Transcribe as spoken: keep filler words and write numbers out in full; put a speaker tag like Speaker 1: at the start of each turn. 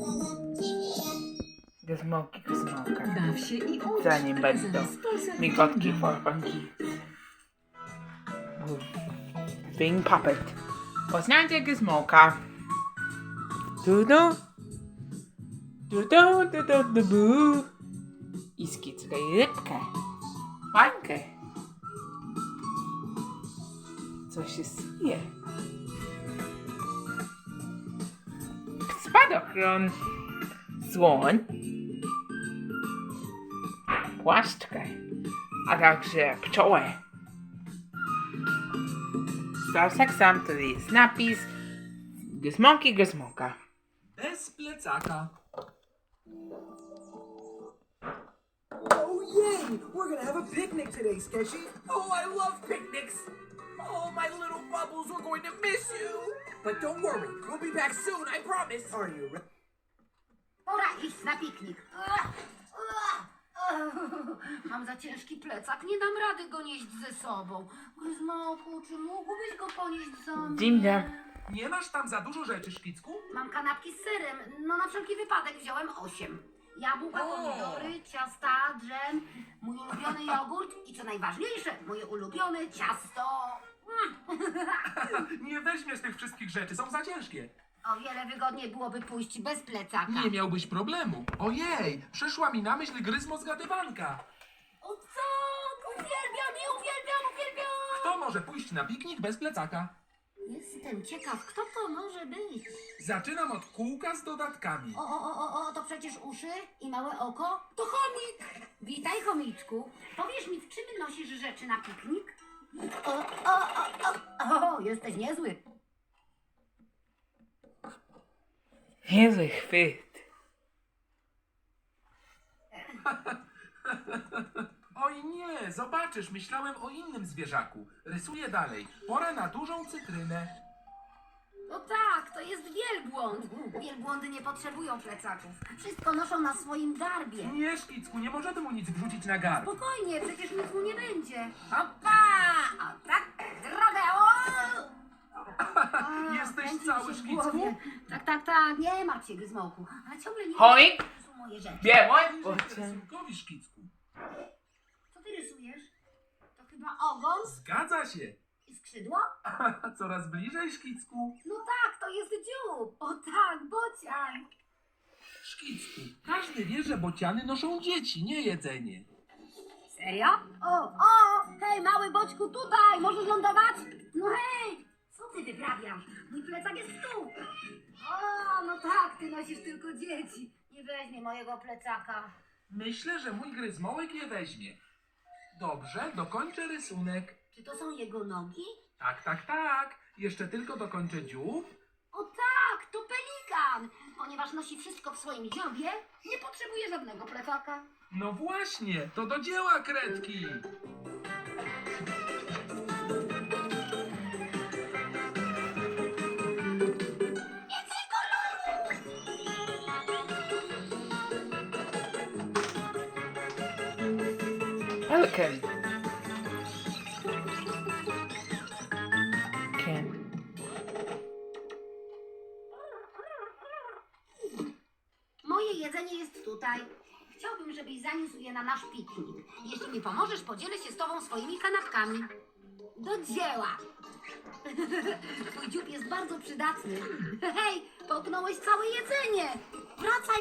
Speaker 1: Gizmołki, gizmołka.
Speaker 2: Baw się i ucz.
Speaker 1: Zanim będą
Speaker 2: Zaraz posadź
Speaker 1: migotki
Speaker 2: dzieci.
Speaker 1: for funky. Being puppet. Poznajcie gizmołka. Dudu. Dudu, dudu, dudu. I skickę rybkę. Bańkę. Co się syje? Spadochron. Słoń. Płaszczkę. A także pszczołę. Starsek sam to jest napis Gizmołki, gizmołka.
Speaker 3: Bez plecaka.
Speaker 4: Oh yay! We're gonna have a picnic today, Sketchy.
Speaker 3: Oh, I love picnics. Oh, my little bubbles, we're going to miss you. But don't worry, we'll be back soon, I promise.
Speaker 4: Are you ready?
Speaker 5: Pora iść na piknik. Ua, ua, ua. Mam za ciężki plecak, nie dam rady go nieść ze sobą. Gryzmoku, czy mógłbyś go ponieść za mnie?
Speaker 1: Dzień dobry.
Speaker 3: Nie masz tam za dużo rzeczy, Szkicku?
Speaker 5: Mam kanapki z serem, no na wszelki wypadek wziąłem osiem. Jabłka,
Speaker 3: O!
Speaker 5: pomidory, ciasta, dżem, mój ulubiony jogurt i co najważniejsze, moje ulubione ciasto.
Speaker 3: Nie weźmiesz tych wszystkich rzeczy, są za ciężkie.
Speaker 5: O wiele wygodniej byłoby pójść bez plecaka.
Speaker 3: Nie miałbyś problemu. Ojej, przyszła mi na myśl gryzmo zgadywanka.
Speaker 5: O tak, uwielbiam je, uwielbiam, uwielbiam.
Speaker 3: Kto może pójść na piknik bez plecaka?
Speaker 5: Jestem ciekaw, kto to może być.
Speaker 3: Zaczynam od kółka z dodatkami.
Speaker 5: O, o, o, o, o, to przecież uszy i małe oko? To chomik! Witaj, chomiczku. Powiesz mi, w czym nosisz rzeczy na piknik? O, o, o, o, o jesteś niezły.
Speaker 1: Niezły chwyt.
Speaker 3: Oj nie, zobaczysz, myślałem o innym zwierzaku. Rysuję dalej. Pora na dużą cytrynę.
Speaker 5: No tak, to jest wielbłąd. Wielbłądy nie potrzebują plecaków. Wszystko noszą na swoim garbie.
Speaker 3: Nie, Szkicku, nie możemy mu nic wrzucić na garb.
Speaker 5: Spokojnie, przecież nic mu nie będzie. Hopa! O tak, drogę! O! A,
Speaker 3: Jesteś
Speaker 5: kręci mi
Speaker 3: cały,
Speaker 5: się w
Speaker 3: Szkicku?
Speaker 5: głowie. Tak, tak, tak, nie martw się, Gryzmołku. Ale ciągle nie
Speaker 1: Choik.
Speaker 5: wiem, gdzie są moje rzeczy.
Speaker 1: Białe.
Speaker 3: Rysunkowi, Szkicku.
Speaker 5: Co ty rysujesz? To chyba ogon
Speaker 3: Zgadza się.
Speaker 5: i skrzydło?
Speaker 3: Coraz bliżej, Szkicku.
Speaker 5: No tak, to jest dziób. O tak, bocian.
Speaker 3: Szkicku, każdy wie, że bociany noszą dzieci, nie jedzenie.
Speaker 5: Serio? O, o, hej, mały boćku, tutaj, możesz lądować? No hej, co ty wyprawiasz? Mój plecak jest tu. O, no tak, ty nosisz tylko dzieci. Nie weźmie mojego plecaka.
Speaker 3: Myślę, że mój gryzmołek je weźmie. Dobrze, dokończę rysunek.
Speaker 5: Czy to są jego nogi?
Speaker 3: Tak, tak, tak. Jeszcze tylko dokończę dziób.
Speaker 5: O tak, to pelikan. Ponieważ nosi wszystko w swoim dziobie, nie potrzebuje żadnego plecaka.
Speaker 3: No właśnie, to do dzieła, kredki.
Speaker 1: Pelican. Ken.
Speaker 5: Moje jedzenie jest tutaj. Chciałbym, żebyś zaniósł je na nasz piknik. Jeśli mi pomożesz, podzielę się z tobą swoimi kanapkami. Do dzieła! Twój dziób jest bardzo przydatny. Hej, połknąłeś całe jedzenie! Wracaj!